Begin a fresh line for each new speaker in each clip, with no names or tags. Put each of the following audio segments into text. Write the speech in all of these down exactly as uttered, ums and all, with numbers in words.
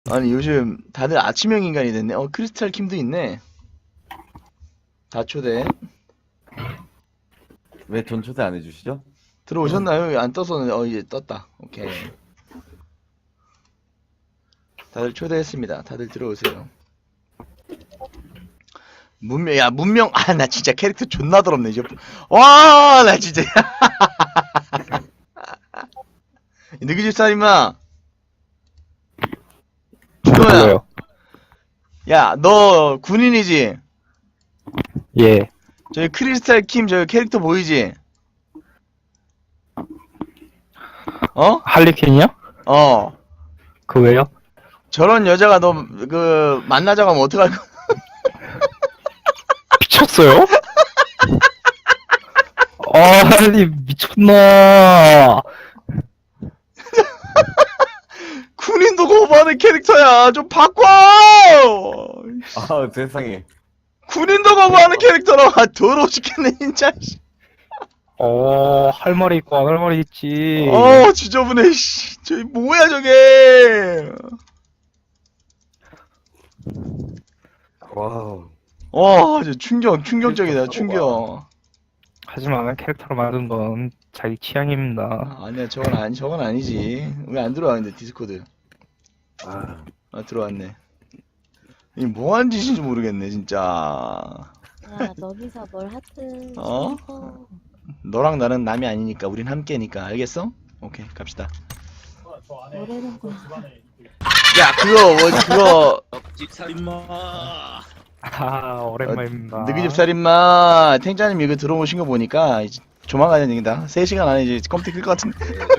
아니 요즘 다들 아침형 인간이 됐네. 어 크리스탈 킴도 있네. 다 초대.
왜 전 초대 안 해주시죠?
들어오셨나요? 안 떴었는데 어 이제 떴다. 오케이. 다들 초대했습니다. 다들 들어오세요. 문명 야 문명 아 나 진짜 캐릭터 존나 더럽네 이제. 와 나 진짜. 느기집 살인마. 준호야.
불러요.
야 너 군인이지?
예.
저기 크리스탈 킴 저 캐릭터 보이지? 어?
할리퀸이요?
어.
그 왜요?
저런 여자가 너 그 만나자고 하면 어떡할 거야?
미쳤어요? 아니 미쳤나?
군인도 거부하는 캐릭터야. 좀 바꿔.
아 세상에.
군인도 거부하는 캐릭터라. 아, 더러워 죽겠네 진짜.
어, 할 말이 있고 안 할 말이 있지.
어 지저분해. 씨. 저기 뭐야 저게.
와우.
와, 저 충격, 충격적이다, 충격.
하지만 캐릭터로 만든 건 자기 취향입니다.
아, 아니야, 저건 아니, 저건 아니지. 왜 안 들어왔는데 디스코드?
아,
아, 들어왔네. 이 뭐하는 짓인지 모르겠네, 진짜.
야, 너기서 뭘 하든
어?
즐겨.
너랑 나는 남이 아니니까, 우린 함께니까, 알겠어? 오케이, 갑시다.
뭐라는 거야.
야, 그거, 뭐, 그거,
집살인마.
아, 오랜만입니다.
느기집 살인마, 탱자님 이거 들어오신 거 보니까, 이제 조만간 얘기다. 세 시간 안에 이제 컴퓨터 끌 것 같은데.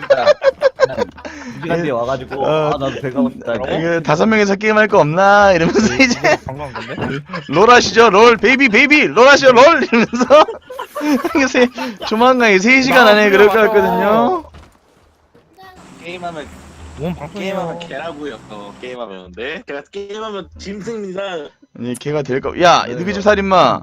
두 시간 뒤에 와가지고
어,
아 나도 배가 고프다.
이거 다섯 명이서 게임할 거 없나? 이러면서 이제.
방금 건데?
롤 하시죠 롤 베이비 베이비 롤 하시죠 롤 이러면서 이게 세, 조만간 세 시간 안에 그럴 것 같거든요.
게임하면
뭔 방송이야?
게임하면 개라고요. 어, 게임하면 네. 제가 게임하면 짐승입니다.
아니 걔가 될거야 느그집 살인마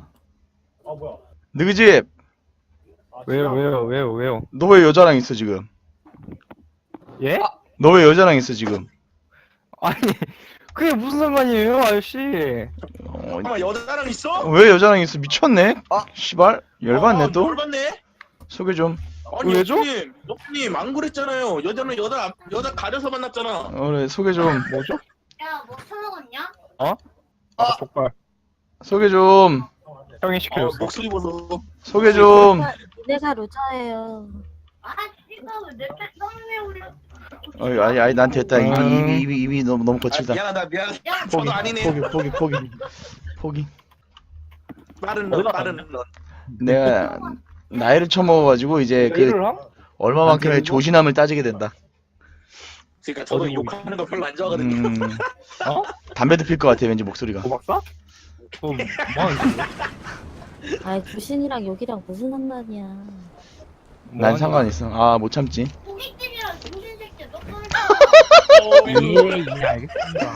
느그집
왜요, 왜요, 왜요, 왜요?
너 왜 여자랑 있어 지금?
예?
너 왜 여자랑 있어 지금?
아니, 그게 무슨 상관이에요, 아저씨?
어,
잠깐만 여자랑 있어?
왜 여자랑 있어 미쳤네? 아 씨발 열받네
아,
또
열받네.
소개 좀.
아니
왜죠?
여자님, 여자님 안 그랬잖아요. 여자는 여자 여자 가려서 만났잖아.
어, 그래 소개 좀
뭐죠?
야, 뭐 처먹었냐?
어? 아, 족발.
소개 좀
형이
어,
시켜줬어.
목소리 보소.
소개 좀.
내가, 내가 루저예요.
아, 씨발, 내 뱃덩이에 올려.
어이 아니 아니 난 됐다 입이
음.
입이 입이, 입이 너무 너무
아,
거칠다.
미안하다 미안.
야,
포기
저도 아니네.
포기 포기 포기 포기.
빠른 런 빠른 런.
내가 나이를 처먹어가지고 이제 그
일을 함?
얼마만큼의 조신함을 따지게 된다.
그러니까 저도
어디
욕하는 거 별로 안 좋아하거든요.
음,
어?
담배도 필 것 같아 왠지 목소리가.
고박사? 저 뭐하는 짓이야?
아이, 구신이랑 욕이랑 무슨 상관이야.
난 상관 있어. 아 못 참지.
고깃집이랑 정신 새끼, 너 꺼내.
예, 예, 알겠습니다.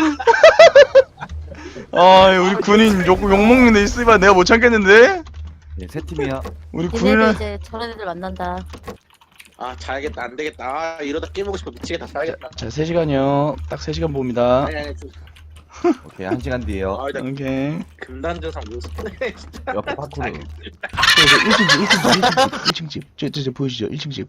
아 우리 군인 욕, 욕 먹는데 있으면 내가 못 참겠는데?
예, 세 팀이야.
우리
니네도
군인은
이제 저런 애들 만난다.
아 자야겠다 안 되겠다. 아 이러다 게임하고 싶어 미치겠다. 자야겠다.
자 세 시간이요. 딱 세 시간 봅니다.
아니 아니 저-
오케이 한 시간 뒤에요.
아, 나
오케이.
금단전상 못 쓰네 진짜.
옆에 파쿠르.
일 층 집, 일 층 집, 일 층 집, 일 층 집. 저, 저, 저 보이시죠? 일 층 집.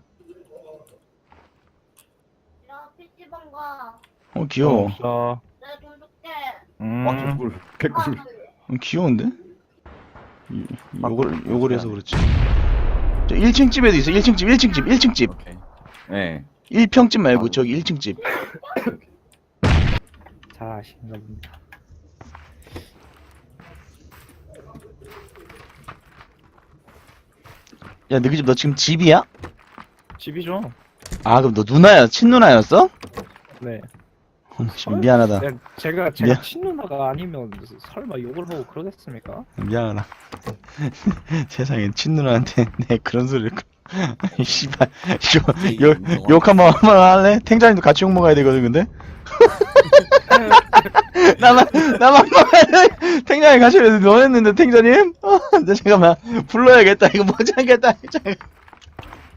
야, 피씨방 가.
어 귀여워.
없어.
내가 돈 줄게.
음.
와 개꿀 개꿀.
어, 귀여운데? 이- 요걸 요걸 해서 그렇지. 저 일 층 집에도 있어. 일 층 집, 일 층 집, 일 층 집.
오케이. 네.
일 평집 말고 저기 일 층 집.
자, 신갑니다.
야, 너희 집 너 지금 집이야?
집이죠?
아, 그럼 너 누나야? 친누나였어?
네.
어, 씨, 미안하다.
야, 제가 제가
미안.
친누나가 아니면 설마 욕을 하고 그러겠습니까?
미안하다. 세상에 친누나한테 내 그런 소리를. 씨발. 욕, 욕, 욕 한번 한번 할래? 탱자님도 같이 욕 먹어야 되거든, 근데? 나만, 나만 먹어야 탱자님 같이 왜 너했는데, 탱자님? 어, 나 잠깐만. 불러야겠다. 이거 못 참겠다. 잠깐.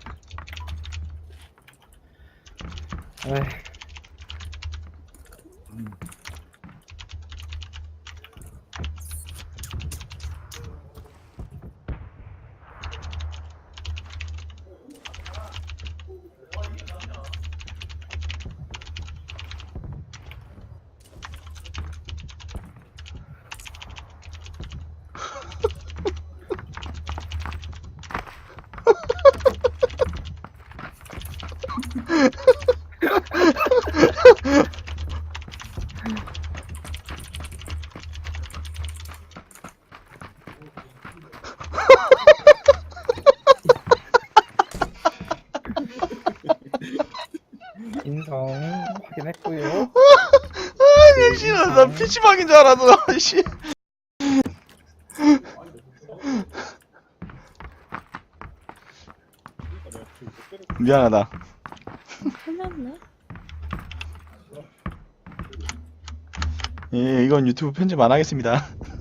에이, 인성 확인했고요.
아, 씨나 나 피치방인 줄 알았어. 씨. 미안하다.
틀렸네.
예, 이건 유튜브 편집 안 하겠습니다.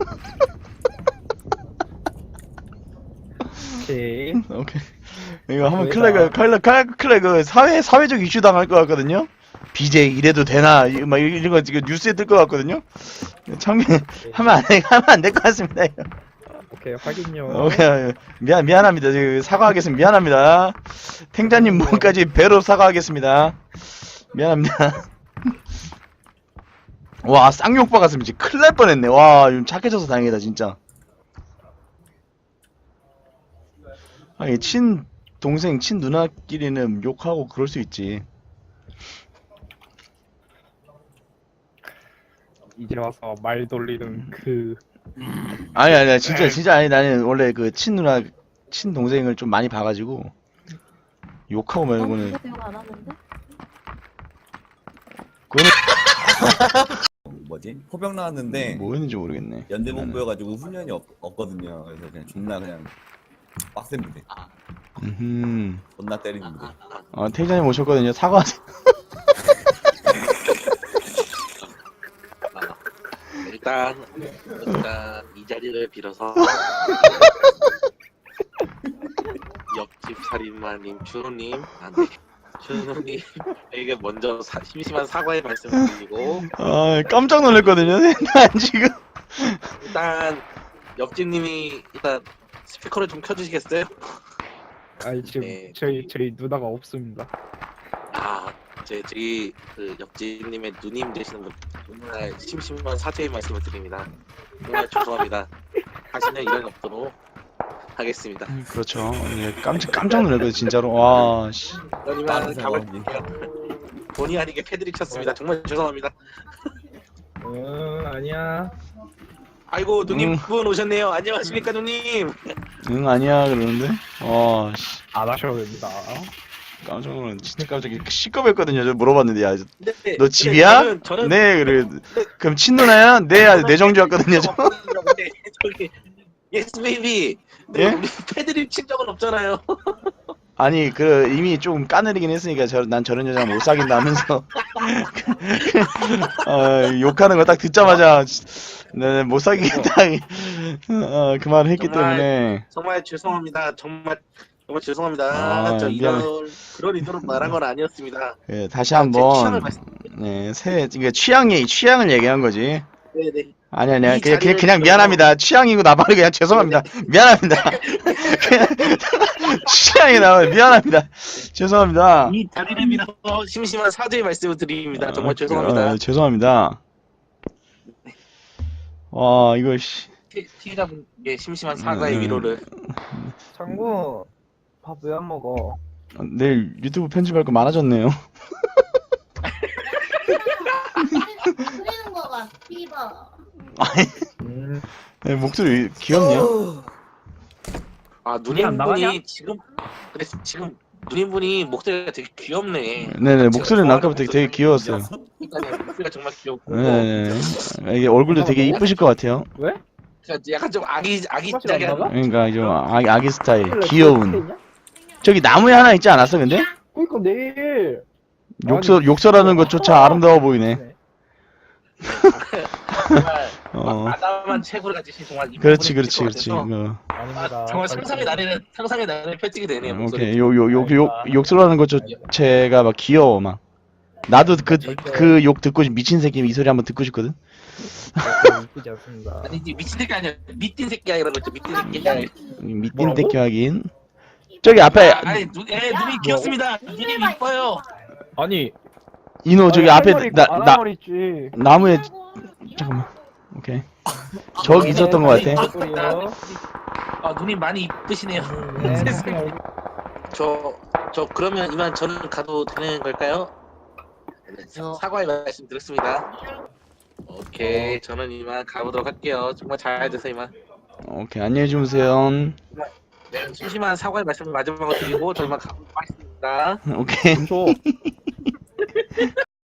오케이.
오케이. 이거 한번
왜다?
클래그, 클래그, 클래그, 클래그 사회 사회적 이슈 당할 것 같거든요. 비제이 이래도 되나? 이거 막 이런 거 지금 뉴스에 뜰 것 같거든요. 참기 하면 안 돼, 하면 안 될 것 같습니다. 이거.
오케이 확인요.
오케이, 미안 미안합니다. 지금 사과하겠습니다. 미안합니다. 탱자님 몸까지 배로 사과하겠습니다. 미안합니다. 와, 쌍욕 박았으면 진짜 큰일 날 뻔했네. 와, 좀 착해져서 다행이다 진짜. 아니, 친 동생, 친 누나끼리는 욕하고 그럴 수 있지.
이제 와서 말 돌리는 그
아니 아니 진짜 진짜 아니 나는 원래 그 친 누나, 친 동생을 좀 많이 봐가지고 욕하고
난
말고는
진짜 욕 안 하는데?
그거는
뭐지? 포병 나왔는데
뭐였는지 모르겠네.
연대본부여가지고 훈련이 없, 없거든요. 그래서 그냥 존나 그냥 빡셉니다.
음,
존나 때리는데.
어 태자님 오셨거든요. 사과하세요.
일단 일단 이 자리를 빌어서 옆집 살인마님 준호님 안돼 준호님에게 먼저 사, 심심한 사과의 말씀을 드리고
아 깜짝 놀랐거든요. 난 지금
일단 옆집님이 일단 스피커를 좀 켜주시겠어요?
아니 지금
네.
저희 저희 누나가 없습니다.
아, 제 저희 그 옆집님의 누님 되시는 분 정말 심심한 사죄의 말씀을 드립니다. 정말 죄송합니다. 다시는 이런 일 없도록 하겠습니다.
그렇죠. 예, 깜짝 깜짝 놀랐거든요 진짜로. 와 씨.
그러면
빠른
답을
상황이.
드릴게요. 본의 아니게 패드립 쳤습니다. 정말 죄송합니다.
응 아니야.
아이고 누님
음.
분 오셨네요. 안녕하십니까 누님.
응 아니야 그러는데. 와 씨.
안 하셔도 됩니다.
깜짝 놀랐. 진짜 깜짝이야. 시끄럽거든요. 저 물어봤는데 야.
네, 네,
너 집이야?
저는, 저는
네 그래. 그럼 친누나야? 네 내정주였거든요. 저.
근데 저기 예스 베이비. 네,
예?
우리 패드립 친 적은 없잖아요.
아니 그 이미 좀 까내리긴 했으니까 저, 난 저런 여자 못 사귄다 하면서 어, 욕하는 거 딱 듣자마자 네, 못 사귀겠다 어, 그 말을 했기
정말
때문에
정말 죄송합니다. 정말 정말 죄송합니다.
아,
저
미안해.
이런 그런 의도로 말한 건 아니었습니다.
예, 다시
제 취향을
한번
말씀.
네, 새 이게 취향이 취향을 얘기한 거지.
네네.
아니 아니야
이
그냥, 그냥
자리를
그냥
빌어서-
미안합니다. 취향이고 나발이 그냥 죄송합니다. 미안합니다. 그냥 취향이 나와 미안합니다. 죄송합니다.
이 자리를 빌어서 심심한 사죄의 말씀을 드립니다. 정말
아,
죄송합니다.
아, 죄송합니다. 와 이거 씨.
피- 피해자분께 심심한 사과의
음.
위로를.
장군 밥 왜 안 먹어?
내일 유튜브 편집할 거 많아졌네요.
그리는 거가 피버.
음
네, 목소리 귀엽냐?
아
눈이 안 나가냐?
누님분이 지금 그래 지금 누님분이 목소리가 되게 귀엽네.
네네 목소리는 아까부터 되게, 되게 귀여웠어요.
그러니까 목소리가 정말 귀엽고.
네네 이게 얼굴도 되게 이쁘실 것 같아요.
왜?
그러니까 약간 좀 아기
똑같이
아기자기한.
안 나가?
그러니까 좀 아기, 아기 스타일 귀여운. 저기 나무에 하나 있지 않았어 근데?
그러니까 내일
욕설 욕설하는 것조차 아름다워 보이네.
정말
어
아담한 체구를 가지신 정말 이쁜
그렇지
분이
그렇지
될
그렇지.
것 같아서
어,
아닙니다.
정말 상상의 나래는 상상의 나래를 펼치게 되네요. 목소리.
오케이 요 요 욕 욕 욕설하는 것조차가 막 귀여워 막. 나도 그 그 욕 듣고 싶 미친 새끼 이 소리 한번 듣고 싶거든.
이쁘지 않습니다.
아니 이제 미친 새끼 아니야. 미친 새끼야 이런 거 있죠. 미친 새끼.
미친
뭐라고?
새끼 확인. 저기 앞에
아, 아니 눈, 에 눈이 귀엽습니다. 눈이 이뻐요.
아니
이노 저기
아니,
앞에
할머니
나
있고 안
나
할 머리 있지.
나무에 잠깐만. 오케이. 저기 있었던 것 같아.
소리요.
아 눈이 많이 이쁘시네요.
네,
세상에.
알겠-
저, 저 그러면 이만 저는 가도 되는 걸까요? 네, 사과의 말씀 드렸습니다. 오케이, 저는 이만 가보도록 할게요. 정말 잘 되세요, 이만.
오케이 안녕히 주무세요.
네, 심심한 사과의 말씀을 마지막으로 드리고 저 이만 가보도록 하겠습니다.
오케이.
좀 줘.